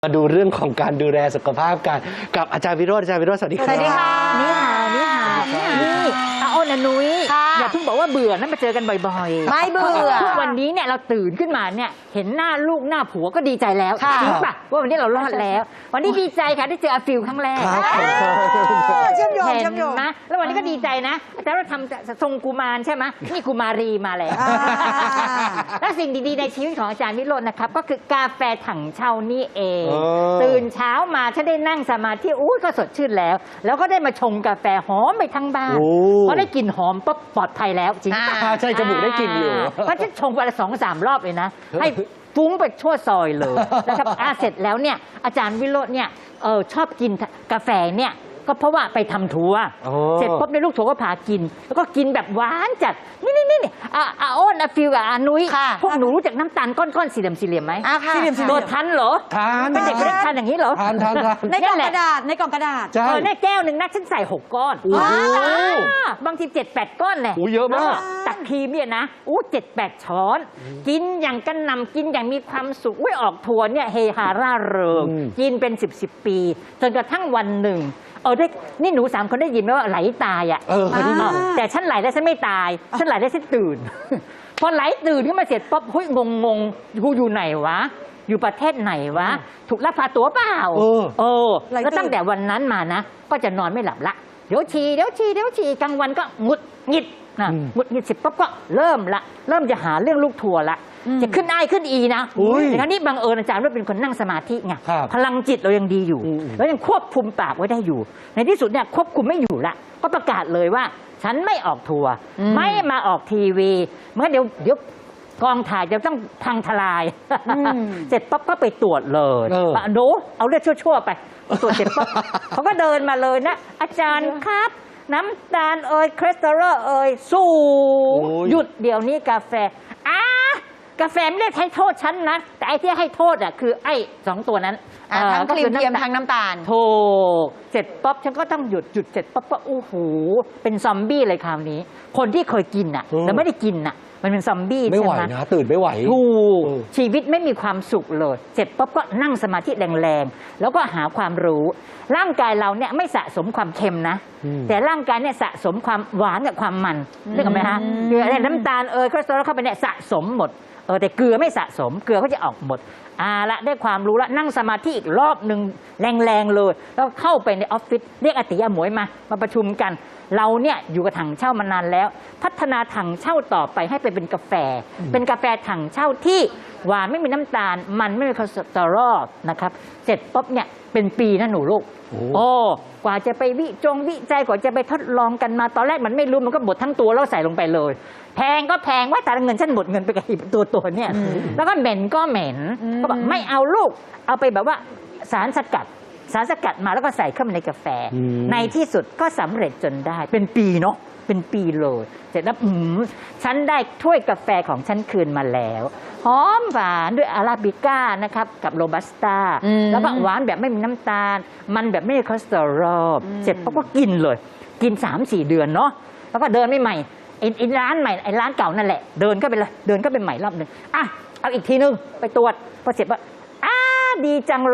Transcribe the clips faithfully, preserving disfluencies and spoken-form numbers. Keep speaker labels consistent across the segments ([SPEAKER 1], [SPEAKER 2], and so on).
[SPEAKER 1] มาดูเรื่องของการดูแลสุขภาพกันกับอาจารย์วิโรจน์อาจารย์วิโรจน์สวัสดีครับ
[SPEAKER 2] สวัสดีค่ะ
[SPEAKER 3] นี่ค่ะนี่ค่ะนี่อาอ้นอนุ้ย
[SPEAKER 2] ค่ะ
[SPEAKER 3] อย่าเพิ่งบอกว่าเบื่อนะมาเจอกันบ่อยๆ
[SPEAKER 2] ไม่เบื่อ
[SPEAKER 3] ทุกวันนี้เนี่ยเราตื่นขึ้นมาเนี่ยเห็นหน้าลูกหน้าผัวก็ดีใจแล้ว
[SPEAKER 2] ค่ะ
[SPEAKER 3] จริงป่ะว่าวันนี้เรารอดแล้ว วันนี้ดีใจค่ะได้เจออาฟิลครั้งแรก
[SPEAKER 1] ครับ
[SPEAKER 2] เชื่อมโยง
[SPEAKER 3] เห็
[SPEAKER 2] เชื่อมโยง
[SPEAKER 3] นนะแล้ววันนี้ก็ดีใจนะอาจารย์เราทำทรงกุมารใช่ไหมนี่กุมารีมาแล้ว
[SPEAKER 2] อ่า
[SPEAKER 3] และสิ่งดีๆในชีวิตของอาจารย์วิโรจน์นะครับก็คือกาแฟถังเช่านี่เอง
[SPEAKER 1] อ๋อ
[SPEAKER 3] ตื่นเช้ามาฉันได้นั่งสมาธิอุ้ยก็สดชื่นแล้ว แล้วก็ได้มาชงกาแฟหอมไปทั้งบ้าน
[SPEAKER 1] โอ้
[SPEAKER 3] เพราะได้กลิ่นหอมปั๊บปลอดภัยแล้วจริงปะ
[SPEAKER 1] อ่าใช่จมูกได้กลิ่นอยู่
[SPEAKER 3] เพราะฉันชงไปละสองสามรอบเลยนะ ให้ฟุ้งไปทั่วซอยเลยนะครับอ่าเสร็จแล้วเนี่ยอาจารย์วิโรจน์เนี่ยเออชอบกินกาแฟเนี่ยก็เพราะว่าไปทำทัวร์
[SPEAKER 1] อ๋อ
[SPEAKER 3] เสร็จปุ๊บในลูกทัวร์ก็พากิน แล้วก็กินแบบหวานจัดนี่นี่นี่อ่ะอ่ะอ้นอ่ะฟิวกับอานุ้ย
[SPEAKER 2] ค่ะ
[SPEAKER 3] พวกหนูรู้จักน้ำตาลก้อนๆสี่เหลี่ยมสี่เหลี่ยมไหม
[SPEAKER 2] อ่ะค่ะ
[SPEAKER 3] ตัวทันเหรอ
[SPEAKER 1] ทาน
[SPEAKER 3] เป็นเด็กไม่ได้ทานอย่างนี้เหรอ
[SPEAKER 1] ทานทานทาน
[SPEAKER 2] ในกล่องกระดาษในกล่องกระดาษ
[SPEAKER 1] ใช่
[SPEAKER 3] เออในแก้วหนึ่งนะฉันใส่หกก้อน
[SPEAKER 1] โอ้โห
[SPEAKER 3] อ่าบางทีเจ็ดแปดก้อนแหละ
[SPEAKER 1] โอ้เยอะมาก
[SPEAKER 3] แล้วตักครีมเนี่ยนะอู้เจ็ดแปดช้อน กินอย่างกันนำกินอย่างมีความสุขอุ้ยออกทัวร์เนี่ยเฮฮาร่าเริง
[SPEAKER 1] อืม
[SPEAKER 3] กินเป็นสิบสิบปีจนกระทั่งวันหนึ่งเออได้นี่หนูสามคนได้ยินไหมว่าไหลตายอ่ะ
[SPEAKER 1] เออเคยได้ยิน
[SPEAKER 3] อ่าแต่ฉันไหลแล้วฉันไม่ตาย ฉันไหลแล้วฉันตื่น พอไหลตื่นขึ้นมาเสร็จปั๊บเฮ้ยงงงๆกูอยู่ไหนวะ อยู่ประเทศไหนวะ ถูกลักพาตัวเปล่า
[SPEAKER 1] เออ
[SPEAKER 3] เออ
[SPEAKER 2] ไหลตื่น
[SPEAKER 3] แล้วตั้งแต่วันนั้นมานะ ก็จะนอนไม่หลับละ เดี๋ยวฉี่เดี๋ยวฉี่เดี๋ยวฉี่กลางวันก็หงุดหงิดนะ
[SPEAKER 1] อืม
[SPEAKER 3] หงุดหงิดเสร็จปั๊บก็เริ่มละ เริ่มจะหาเรื่องลูกทัวร์ละ จะขึ้นไอขึ้นอีนะ
[SPEAKER 1] อุ้ย
[SPEAKER 3] แต่ครั้นี้บังเอิญอาจารย์ว่าเป็นคนนั่งสมาธิไง
[SPEAKER 1] ครับ
[SPEAKER 3] พลังจิตเรายังดีอยู่
[SPEAKER 1] อืม
[SPEAKER 3] แล้วยังควบคุมปากไว้ได้อยู่ ในที่สุดเนี่ยควบคุมไม่อยู่ละ ก็ประกาศเลยว่า ฉันไม่ออกทัวร์
[SPEAKER 2] อืม
[SPEAKER 3] ไม่มาออกทีวีเมื่อเดี๋ยวเดี๋ยวกองถ่ายจะต้องพังทลาย เสร็จปั๊บก็ไปตรวจเลย
[SPEAKER 1] เออ
[SPEAKER 3] ว่าโน้เอาเลือดชั่วๆไปตรวจเสร็จปั๊บ เขาก็เดินมาเลยนะ อาจารย์ครับ น้ำตาลเอ่ยคอเลสเตอรอลเอ่ยสูง
[SPEAKER 1] โอ้ย
[SPEAKER 3] หยุดเดี๋ยวนี้กาแฟอ่ากาแฟไม่ได้ให้โทษฉันนะ แต่ไอ้ที่ให้โทษอ่ะคือไอ้สองตัวนั้น
[SPEAKER 2] อ่ะ
[SPEAKER 3] เอ่อ
[SPEAKER 2] ทั้งครีม
[SPEAKER 3] ก็อ
[SPEAKER 2] เทียม
[SPEAKER 3] น้ำตาล
[SPEAKER 2] ทั้งน้ำตาล
[SPEAKER 3] ถูกเสร็จป๊บฉันก็ต้องหยุดหยุดเสร็จป๊บก็โอ้โหเป็นซอมบี้เลยคราวนี้ คนที่เคยกินอ่ะ
[SPEAKER 1] อืม
[SPEAKER 3] แล้วไม่ได้กินอ่ะ มันเป็นซอมบี้
[SPEAKER 1] ไม่ไหว
[SPEAKER 3] ใช่ไหม
[SPEAKER 1] นะ ตื่นไม่ไหว
[SPEAKER 3] ถูก
[SPEAKER 1] เออ
[SPEAKER 3] ชีวิตไม่มีความสุขเลย เสร็จป๊บก็นั่งสมาธิแรงๆ แล้วก็หาความรู้ ร่างกายเราเนี่ยไม่สะสมความเค็มนะ
[SPEAKER 1] อืม
[SPEAKER 3] แต่ร่างกายเนี่ยสะสมความหวานกับความมันนึกออกไหมฮะเกลือเนี่ยน้ำตาลเอยคอเลสเตอรอลเข้าไปเนี่ยสะสมหมดเออแต่เกลือไม่สะสมเกลือเขาจะออกหมดอ่าละได้ความรู้ละนั่งสมาธิอีกรอบหนึ่งแรงๆเลย แล้วเข้าไปในออฟฟิศเรียกอาติยาหมวยมามาประชุมกัน เราเนี่ยอยู่กับถังเช่ามานานแล้ว พัฒนาถังเช่าต่อไปให้ไปเป็นกาแฟ เป็นกาแฟถังเช่าที่หวานไม่มีน้ำตาล มันไม่มีคอเลสเตอรอลนะครับเสร็จปุ๊บเนี่ยเป็นปีนะหนูลูก
[SPEAKER 1] โอ้
[SPEAKER 3] โอ้กว่าจะไปวิจงวิจัยกว่าจะไปทดลองกันมาตอนแรกมันไม่รู้มันก็บดทั้งตัวแล้วใส่ลงไปเลย แพงก็แพงว่าแต่ละเงินฉันหมดเงินไปกับตัวตัวเนี่ยแล้วก็เหม็นก็เหม็นก็บอกไม่เอาลูกเอาไปแบบว่าสารสกัด สารสกัดมาแล้วก็ใส่เข้ามาในกาแฟ
[SPEAKER 1] อืม
[SPEAKER 3] ในที่สุดก็สำเร็จจนได้ เป็นปีเนาะเป็นปีเลยเสร็จแล้วอืมฉันได้ถ้วยกาแฟของฉันคืนมาแล้วหอมหวานด้วยอาราบิก้านะครับกับโรบัสต้า
[SPEAKER 2] อืม
[SPEAKER 3] แล้วก็หวานแบบไม่มีน้ำตาล มันแบบไม่มีคอเลสเตอรอลเสร็จปั๊บก็กินเลย กิน สามสี่ เดือนเนาะแล้วก็เดินไม่ใหม่ไอ้ไอ้ร้านใหม่ไอ้ร้านเก่านั่นแหละ เดินก็ไปเลยเดินก็ไปใหม่รอบหนึ่งอ่ะเอาอีกทีนึงไปตรวจพอเสร็จว่าอ้าดีจังเลย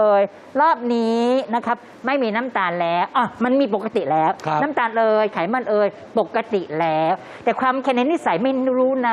[SPEAKER 3] รอบนี้นะครับไม่มีน้ำตาลแล้วอ่ะมันมีปกติแล้ว
[SPEAKER 1] ครับ
[SPEAKER 3] น้ำตาลเอ่ยไขมันเอ่ยปกติแล้ว แต่ความแค่ในนิสัยไม่รู้นะ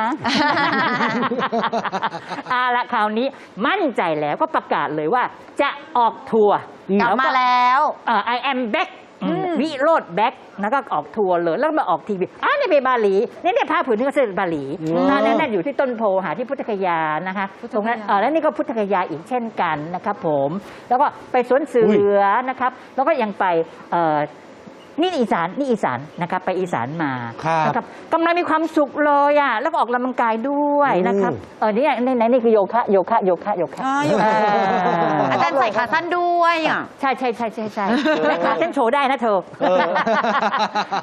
[SPEAKER 3] เอาละคราวนี้มั่นใจแล้วก็ประกาศเลยว่าจะออกทัวร์
[SPEAKER 2] กลับมาแล้ว
[SPEAKER 3] เอ่อ I am back
[SPEAKER 2] อืม
[SPEAKER 3] วิโรจน์แบ็กแล้วก็ออกทัวร์เลย แล้วก็มาออกทีวีอ้าวนี่ไปบาหลีนี่เนี่ยผ้าผืนนี้ก็เสด็จบาหลี
[SPEAKER 1] ว้าว
[SPEAKER 3] นั่นนั่นอยู่ที่ต้นโพหาที่พุทธคยานะคะ
[SPEAKER 2] พุทธคยา
[SPEAKER 3] ตรงนั้นเออแล้วนี่ก็พุทธคยาอีกเช่นกันนะครับผม แล้วก็ไปสวนเสือนะครับ แล้วก็ยังไปเอ่อนี่อีสานนี่อีสานนะครับไปอีสานมา
[SPEAKER 1] ครับ
[SPEAKER 3] นะครับกำลังมีความสุขเลยอ่ะแล้วก็ออกกำลังกายด้วยนะครับ
[SPEAKER 1] อืม
[SPEAKER 3] เออนี่ในในนี่คือโยคะโยคะโยคะโยคะ
[SPEAKER 2] อ่าอยู่
[SPEAKER 3] เออ
[SPEAKER 2] อาจารย์ใส่ขาสั้นด้วยอ่ะ
[SPEAKER 3] ใช่ใช่ใช่ใช่ใช่และขาเส้นโชว์ได้นะเธอ
[SPEAKER 1] เออ